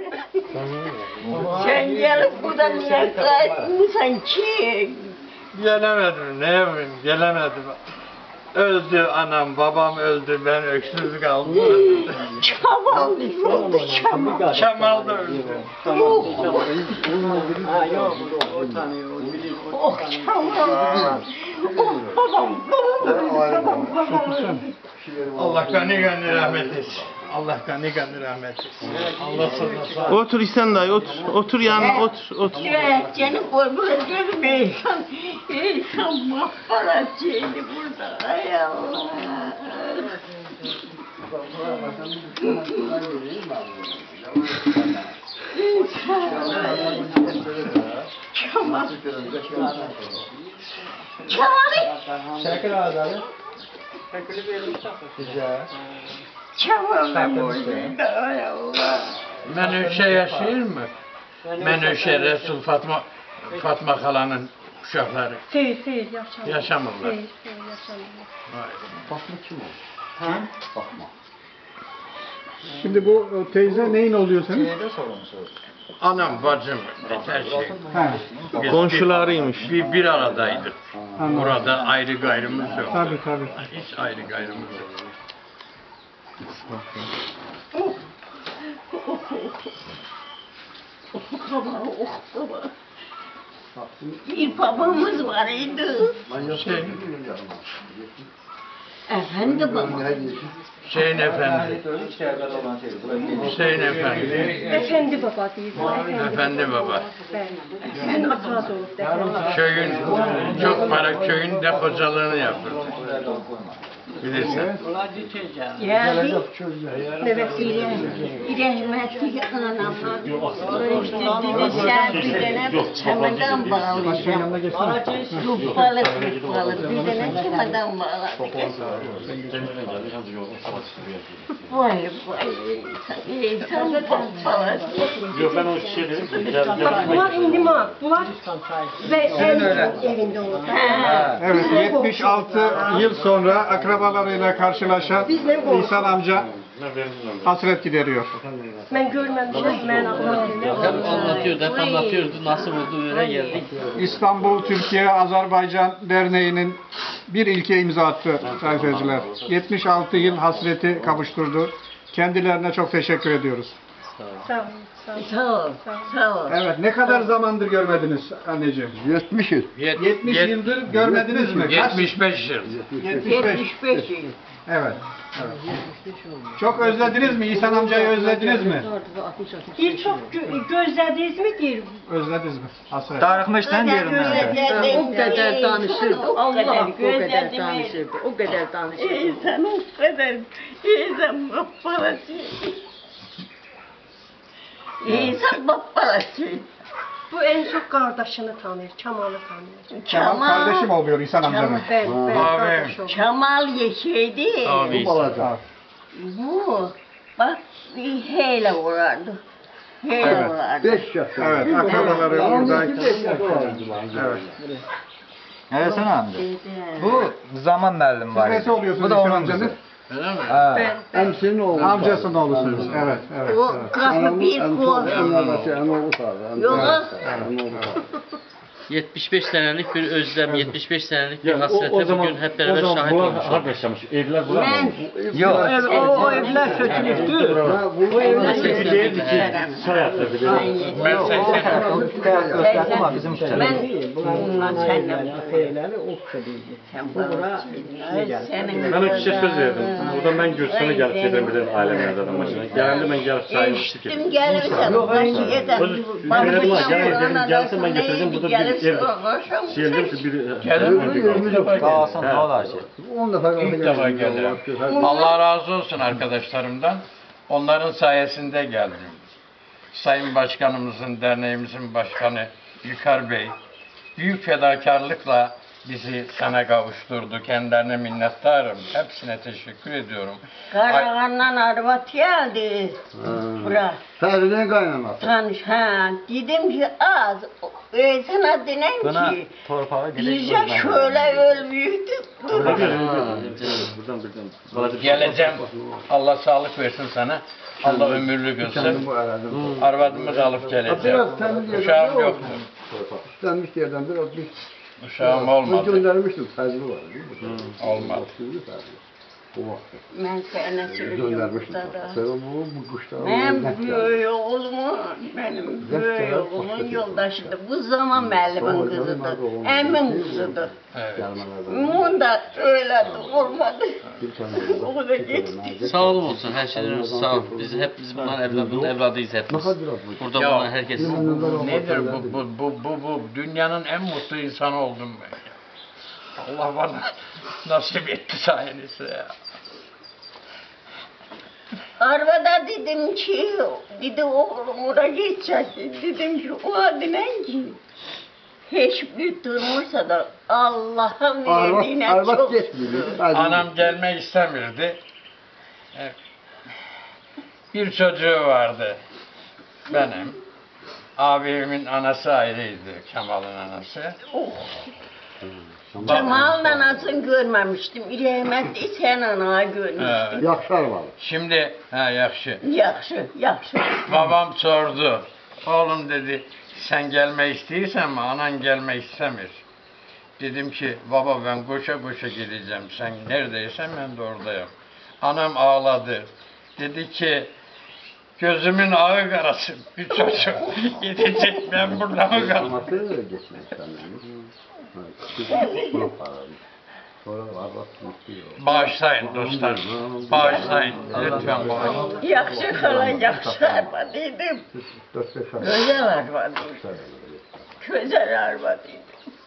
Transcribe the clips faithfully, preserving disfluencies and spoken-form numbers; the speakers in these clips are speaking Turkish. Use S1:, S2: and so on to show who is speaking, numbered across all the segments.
S1: Sen gelip burada niye kaçmışsın ki?
S2: Gelemedim, ne yapayım, gelemedim. Öldü anam, babam öldü, ben öksüz kaldım.
S1: Çamal oldu, çamal.
S2: Kemal da öldü.
S1: Yok.
S3: Ha yok, o tanıyor, o bilir.
S1: Oh çamal. Oh babam, babam, babam.
S2: Allah gani gani rahmet etsin. Allah gani gani rahmet etsin. Allah sana sağ ol.
S4: Otur İhsan dayı otur. Otur yanına otur otur.
S1: Evet, seni koymayacağım insan. İnsan mahvolacağını burada. Ay Allah. Çamal. Çamal.
S3: Şakir ağzları. Şakir'i verilmiş Güzel.
S1: Çamal ben burada. Ay Allah.
S2: Menüşe yaşıyor mu? Menüşe Resul Fatma Fatma Kala'nın uşakları
S5: Seyir, seyir, yaşamıyor.
S2: yaşamırlar.
S5: Seyir, seyir, yaşamıyor.
S2: Vay.
S6: Bakma kim o?
S3: Ha?
S6: Bakma.
S7: Şimdi bu o teyze neyin oluyor senin?
S6: Şeyde sorumsuz.
S2: Anam, bacım, her şey.
S7: Ha,
S2: Biz
S4: Komşularıymış.
S2: Bir, bir aradaydık.
S7: anladım.
S2: Burada ayrı gayrımız yok.
S7: Tabii tabii.
S2: Hiç ayrı gayrımız yok.
S1: Baba, oh baba. Bir babamız var idi.
S2: Şey,
S1: Efendi baba.
S2: Hüseyin Efendi. Hüseyin Efendi.
S5: Efendi baba değil.
S2: Efendi baba.
S5: Ben, ben ata doğup defendim.
S2: Köyün, çok para köyün dekocalığını yapırdı. Bilirsin.
S1: Geldi.
S5: Evet,
S1: Rahmetli anamla işte dedişer bir tane çamadan bağlayacağım. Lupalı lupalı bir tane çamadan bağlayacağım. Vay vay insan papalı.
S8: Yok ben o şey dedim.
S5: bak bunlar indima. Bunlar ve en evinde olur.
S7: Evet, yetmiş altı yıl sonra akrabalarıyla karşılaşan İhsan amca hasret gideriyor.
S5: Ben görmemişim, ben anlatayım.
S3: Hep anlatıyordu, hep anlatıyordu. Nasıl oldu öyle geldik.
S7: İstanbul Türkiye Azerbaycan Derneği'nin bir ilke imza attı sayın seyirciler. yetmiş altı yıl hasreti kavuşturdu. Kendilerine çok teşekkür ediyoruz.
S5: Sağ olun, sağ olun.
S1: Sağ ol, sağ ol.
S7: Evet, ne kadar zamandır görmediniz anneciğim?
S6: yetmiş yıl.
S2: Yet-
S7: yetmiş
S2: yet-
S7: yıldır görmediniz mi? Kaç?
S2: yetmiş beş yıl.
S7: yetmiş beş.
S1: yetmiş beş yıl.
S7: Evet. evet. Çok özlediniz mi? İhsan amcayı özlediniz mi?
S5: Bir çok gö- gözlediniz mi diyelim.
S7: Özlediniz mi? Hasret.
S3: Tarıkmıştan diyorum ben.
S1: O kadar danışırdı.
S5: Allah
S1: o kadar danışırdı. O kadar danışırdı. İnsan o kadar. İnsan mahvolacak. İnsan mahvolacak.
S5: Bu en çok kardeşini tanır, Çamal'ı tanır.
S7: Kemal kardeşim oluyor İhsan amcanın.
S5: Ben, ben
S2: Abi.
S5: kardeşim.
S1: Çamal yeşeydi.
S2: Abi.
S6: Balacak.
S1: Bu bak bir hele vurardı. Hele
S7: Evet.
S1: vurardı.
S6: Beş yaş.
S7: Evet, akrabaları buradayken. Evet.
S3: Evet sen amca. Bu zaman verdim
S7: Siz
S3: var.
S7: nesi oluyorsunuz
S3: Bu da
S7: İhsan
S3: onun
S7: amcanın?
S3: kızı.
S2: Öyle mi?
S3: Ha.
S5: Ben,
S6: Emsinin oğlu.
S7: Amcasının oğlusunuz. Evet, evet.
S1: O
S7: evet.
S1: kapı bir kol. Yok.
S9: yetmiş beş senelik bir özlem, yetmiş beş senelik bir
S8: Ya, o,
S9: hasrete
S8: o zaman,
S9: bugün hep
S8: o
S9: beraber
S8: zaman
S9: şahit
S8: bunlar
S9: olmuşuz.
S8: harp yaşamış, evler bular mı
S1: Ben
S8: olmuş?
S3: Yok.
S1: o, o evler kötülüktü. O evler
S8: Bir değildi ki Sayat'ta bile.
S2: Ben seksen.
S3: Ama bizim
S1: Ben bundan seninle sen bana senin
S8: Ben o kişiye söz verdim. Buradan ben Gürsan'a gelip geldim bilirim ailemden zaten başına. Geldi ben gelip saymıştık.
S1: Eşittim gelirsem başı yeter.
S8: Söz verelim ha, gel dedim gelsin ben getireceğim burada bir ev. Şehirde bir
S2: Gelir.
S3: Sağ olsun ne olar şey.
S2: İlk defa gelirim. Allah razı olsun arkadaşlarımdan. Onların sayesinde geldim. Sayın Başkanımızın, derneğimizin başkanı Yükar Bey büyük fedakarlıkla bizi sana kavuşturdu. Kendilerine minnettarım. Hepsine teşekkür ediyorum.
S1: Karahan'dan arvat geldi. Bura.
S6: Ferdi'nin kaynaması.
S1: Tanış ha. Dedim ki az. E sana denen
S3: Buna
S1: ki.
S3: torpağı
S1: Bize şöyle ölmüştük.
S8: Buradan buradan.
S2: Geleceğim. Allah sağlık versin sana. Allah ömürlü görsün. Arvadımı da alıp geleceğim. Uşağım yoktu.
S6: İstenmiş yerden biraz bir
S2: Uşağım
S6: Ben
S2: olmadı.
S6: göndermiştim. Ferdi var değil mi?
S2: Olmadı.
S6: O vakti.
S1: Ben seni sürüyorum.
S6: Göndermiştim. Sen bu, bu kuşlar.
S1: Ben büyük oğlumu, benim büyük oğlumun yoldaşıydı. Bu zaman Melih'in kızıdır. Emin kızıdır.
S2: Evet.
S1: Bunun da öyle olmadı. O da gitti.
S9: Sağ olun olsun her şeyden önce sağ ol. Biz hep biz bunların evladının evladıyız hepimiz. Burada
S2: Ya,
S9: bulunan herkes.
S2: Nedir bu, bu, bu, bu, bu dünyanın en mutlu insanı oldum ben ya. Allah bana nasip etti sayenizde ya.
S1: Arabada dedim ki, dedi oğlum oraya geçecek. Dedim ki o adinen ki, hiçbir durmuşsa da Allah'ın verdiğine
S6: Arbat
S1: çok
S6: geçmiyor.
S2: Anam gelmek istemirdi. E, Bir çocuğu vardı benim. Abimin anası ayrıydı, Kemal'in anası.
S1: Cemal'ın anasını görmemiştim. İrahmetli sen ana görmüştüm.
S2: Evet.
S6: Yakşar var.
S2: Şimdi, ha yakşı.
S1: Yaxşı, yaxşı.
S2: Babam sordu. Oğlum dedi, sen gelme istiyorsan mı? Anan gelme istemir. Dedim ki, baba ben koşa koşa gideceğim. Sen neredeysen ben de oradayım. Anam ağladı. Dedi ki, gözümün ağı karası bir çocuk gidecek, ben burada mı kaldım?
S6: Ama öyle geçmek senden. Buna paralı. Sonra Arbat istiyor.
S2: Bağışlayın dostlar, bağışlayın. Lütfen bağışlayın.
S1: Yaxşı kala, yaxşı arvad idim.
S6: Dört beş ay.
S1: Güzel arvad idim. Güzel arvad idim.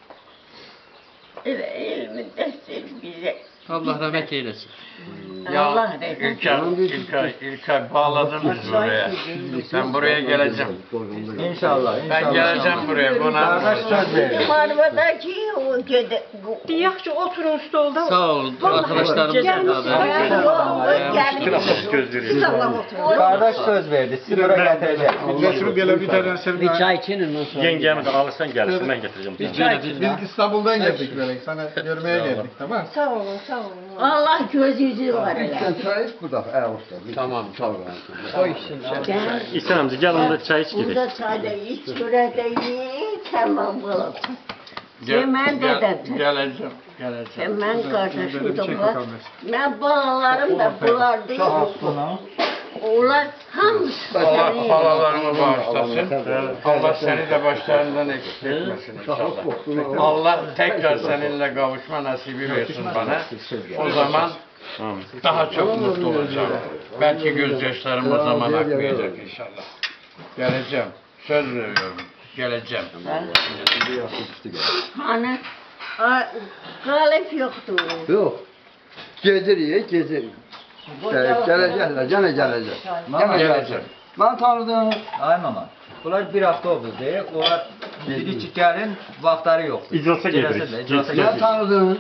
S1: Elə ilmin dəstir bizə.
S9: Allah rahmet eylesin.
S2: Ya
S1: Allah rahmet
S2: İlkay, İlkay, İlkay bağladınız buraya. Ben buraya geleceğim.
S3: İnşallah,
S2: Ben
S3: inşallah.
S2: geleceğim buraya. Buna
S3: Kardeş söz verdi.
S1: Bizim arvadakı o gede...
S5: Yaxşı oturun stolda.
S9: Sağ olun arkadaşlarımızla
S1: Gelin.
S8: Göz veriyor.
S1: Sağlam oturun.
S3: Kardeş söz verdi. Sizi buraya getirecek.
S7: Getirip gele bir tane sevgi.
S8: Yengemi de alırsan gelsin ben getireceğim.
S7: Biz İstanbul'dan geldik böyle. Sana görmeye geldik, tamam.
S5: Sağ olun, sağ olun.
S1: Allah göz yüzü var elə.
S6: Sen çay iç bu da. Evet usta.
S2: Tamam,
S6: tamam.
S8: İhsan amca gel onda çay iç gidelim.
S1: Burada çayda iç, çörəkdə ye, tamam balam.
S2: Gel,
S1: Mən
S2: gel,
S1: dedəm.
S2: geleceğim, geleceğim.
S1: Mən qardaşım da var. Mən balalarım da bunlar deyil. Onlar hamısı.
S2: Allah halalarımı bağışlasın. Allah seni de başlarından eksik etmesin inşallah. Allah tekrar seninle kavuşma nasibi versin bana. O zaman daha çok mutlu olacağım. Belki gözyaşlarım o zaman akmayacak inşallah. Geleceğim. Söz veriyorum. Geleceğim.
S1: Hani galip yoktur.
S6: Yok. Geziriyor, geziriyor. Evet, gelecekler, gene gelecek. Gene gelecek. Ben tanıdım.
S3: Ay mama. Bunlar bir hafta oldu diye. Onlar biri çıkarın vaxtları yok.
S8: İclasa
S3: Gelirse
S8: gelirik.
S3: de, iclasa
S6: Ben
S3: gelirik.
S6: tanıdım.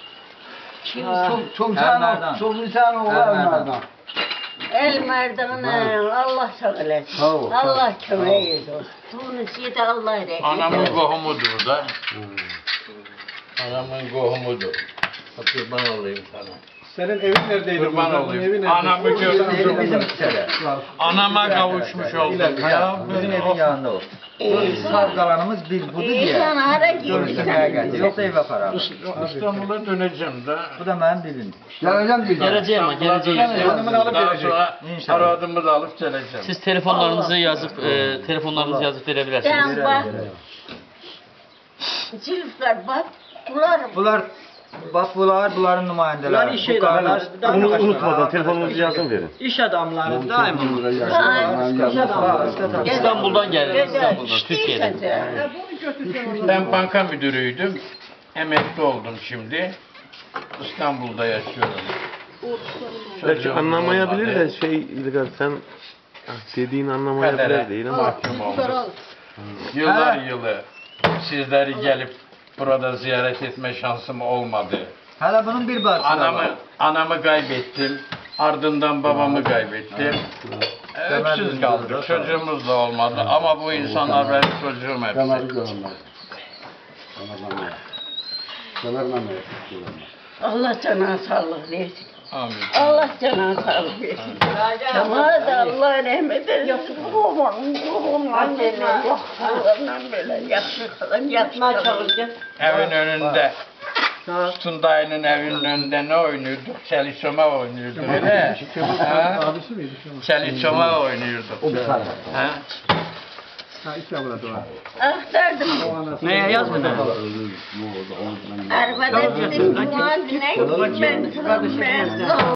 S6: Çok insan, çok insan oğlan onlardan.
S1: El merdana Allah sağ eləsin.
S6: Sağ ol.
S1: Allah kömək edir. Tunisiyə də Allah rəhmət.
S2: Anamın kohumudur da. Anamın kohumudur. Kurban olayım sana.
S7: Senin evin neredeydi?
S2: Kurban
S7: Bunun evi
S2: olayım.
S7: nerede?
S2: Anamı gördüm.
S3: Bizim içeri.
S2: Anama kavuşmuş oldum ya.
S3: Bizim evin yanında o. Sağ kalanımız bir budur diye.
S1: İnsan hara
S3: Görüşmeye
S1: gidiyor.
S3: geldi. Yoksa eve para.
S2: İstanbul'a döneceğim de.
S3: Bu da benim bilim.
S6: Geleceğim bir daha.
S9: Geleceğim ama geleceğiz.
S7: Hanımını alıp
S2: Daha
S7: gelecek.
S2: sonra
S3: İnşallah.
S2: aradığımı da alıp geleceğim.
S9: Siz telefonlarınızı yazıp e, telefonlarınızı yazıp verebilirsiniz.
S1: Sen bak. Zülfkar bak. Bunlar
S3: Bunlar bak bunlar bunların nümayendeleri. Bu kardeş.
S8: Bunu unutmadan telefonunuzu yazın verin.
S5: İş adamları
S3: Daima.
S9: İstanbul'dan geldim. İstanbul'dan, Türkiye'den.
S2: Ben banka müdürüydüm. Emekli oldum şimdi. İstanbul'da yaşıyorum.
S4: Belki
S2: Çocuğum
S4: anlamayabilir
S2: olmadı.
S4: de şey İlgar sen ah, dediğin
S2: Kadere
S4: anlamayabilir değil ama.
S2: mahkum oldum. Yıllar yılı sizleri gelip burada ziyaret etme şansım olmadı.
S3: Hala bunun bir bahsi var.
S2: Anamı anamı kaybettim. Ardından babamı kaybettim. E, Öksüz kaldık. Çocuğumuz da olmadı ama bu insanlar benim çocuğum hepsi.
S6: Kemer'i görünmez. Kemer'den Kemer'den
S1: Allah cana sağlık versin.
S2: Amin.
S1: Allah cana sağlık versin. Kemal da Allah rahmet eylesin. Babam, babamla böyle, babamla böyle yaptı kalan, yapma çalışacak.
S2: Evin önünde. Tunday'ın evinin önünde ne oynuyorduk? Çeliçoma oynuyorduk öyle. Ha?
S7: Abisi miydi?
S2: Çeliçoma oynuyorduk. Ha?
S7: Ha, iki avrat var.
S1: Aktardım.
S9: Neye yazmadın?
S1: Arabada dedim, Cuma güne gideyim ben. Ben